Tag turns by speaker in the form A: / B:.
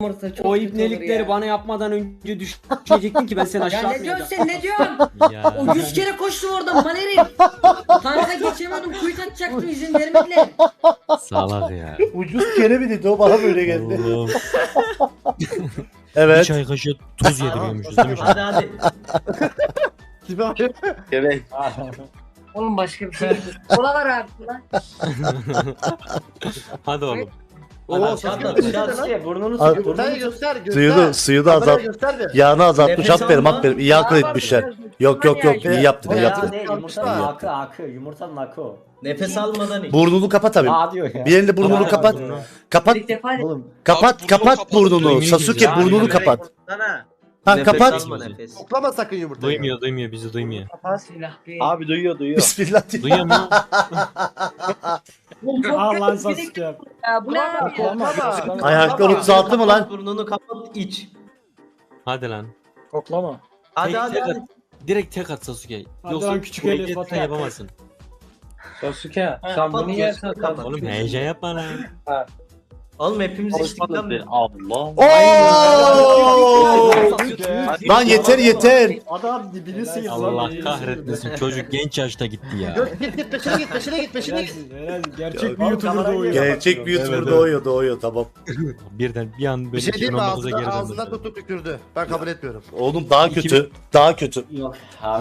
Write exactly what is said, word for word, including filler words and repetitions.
A: Çok
B: O
A: kötü
B: ibnelikleri
A: olur ya.
B: bana yapmadan önce düşecektin ki ben seni
A: Ya
B: aşağı
A: ne diyorsun
B: atmayacaktım.
A: sen ne diyorsun?
B: Ya.
A: O yüz kere koştum oradan Manerim. Tanka geçemedim kuyut atacaktım izin vermediler.
B: Salak ya.
C: Ucuz kere mi dedi o bana böyle geldi.
B: Oğlum. Bir
C: Evet.
B: çay kaşığı tuz yediriyormuşuz değil mi?
D: Hadi hadi.
E: Evet.
A: Oğlum başka bir şey değil. Kola var abi kola.
B: Hadi oğlum.
D: Oo Sasuke Sasuke burnunu
C: Al.
D: sık. Burnunu
E: Göster
D: sık.
E: göster göster.
C: Suyu da, suyu da
E: Kameraya
C: azalt.
E: göster bir.
C: Yağını azaltmış.
D: Nefes
C: Aferin
D: alma.
C: aferin. İyi akıl etmişler. Yok yok yok. İyi yaptın iyi
D: Ya
C: yaptın.
D: ne yumurtanın akı akı yumurtanın akı o. Nefes almadan iç.
C: Burnunu kapat abi.
D: Aa diyor ya.
C: Bir elinde burnunu
B: Kapat
C: kapat.
B: burnunu.
C: Kapat.
A: İlk defa
C: Kapat
F: Abi
C: kapat
F: kapat,
C: burnunu.
B: duymuyor
C: Sasuke
B: ya.
C: burnunu
B: Yani
C: kapat.
E: Sana.
C: Ha
D: Nefes
C: kapat.
D: alma nefes.
E: Koklama sakın yumurtayı.
B: Duymuyor duymuyor bizi duymuyor.
A: silah bir.
E: Abi duyuyor duyuyor.
C: Bismillah diye.
B: Duyuyor mu?
A: Oğlum çok
G: Al lan
A: kötü bir
G: Sasuke.
A: ya. Bu ne abi ya?
E: Koklama.
C: Ayaklar otuz altı mı lan?
D: Burnunu kapat iç.
B: Hadi lan.
G: Koklama.
D: Hadi
B: Tek-
D: hadi
B: tek
D: hadi.
B: at. Direkt tek at Sasuke.
G: Hadi
B: Yoksa
G: lan küçük
B: bu
G: Elif,
B: hareketi
G: Batu.
B: yapamazsın.
G: Sasuke sen
D: kapat,
G: bunu yersen
D: kapat.
G: kapat.
B: Oğlum heyecan yapma lan.
D: Oğlum hepimiz içtik lan.
E: Allah.
C: Oo! Lan yeter yeter.
G: Adam dibini sıyır lan.
B: Allah
G: dibini
B: kahretmesin. Çocuk genç yaşta gitti ya.
E: Git git peşine git peşine git peşine git.
G: Helalsin, helalsin. Gerçek bir
E: Oğlum,
G: YouTuber
E: kamerayı
G: doğuyor.
C: Gerçek bir YouTuber
B: Evet,
C: doğuyor doğuyor tamam.
B: Birden bir an böyle
E: Bir şey diyeyim mi
B: iki bin on dokuza
E: ağzından,
B: geri
E: ağzından
B: döndü.
E: tutup tükürdü. Ben kabul etmiyorum.
C: Oğlum daha kötü. Daha kötü.
D: Yok.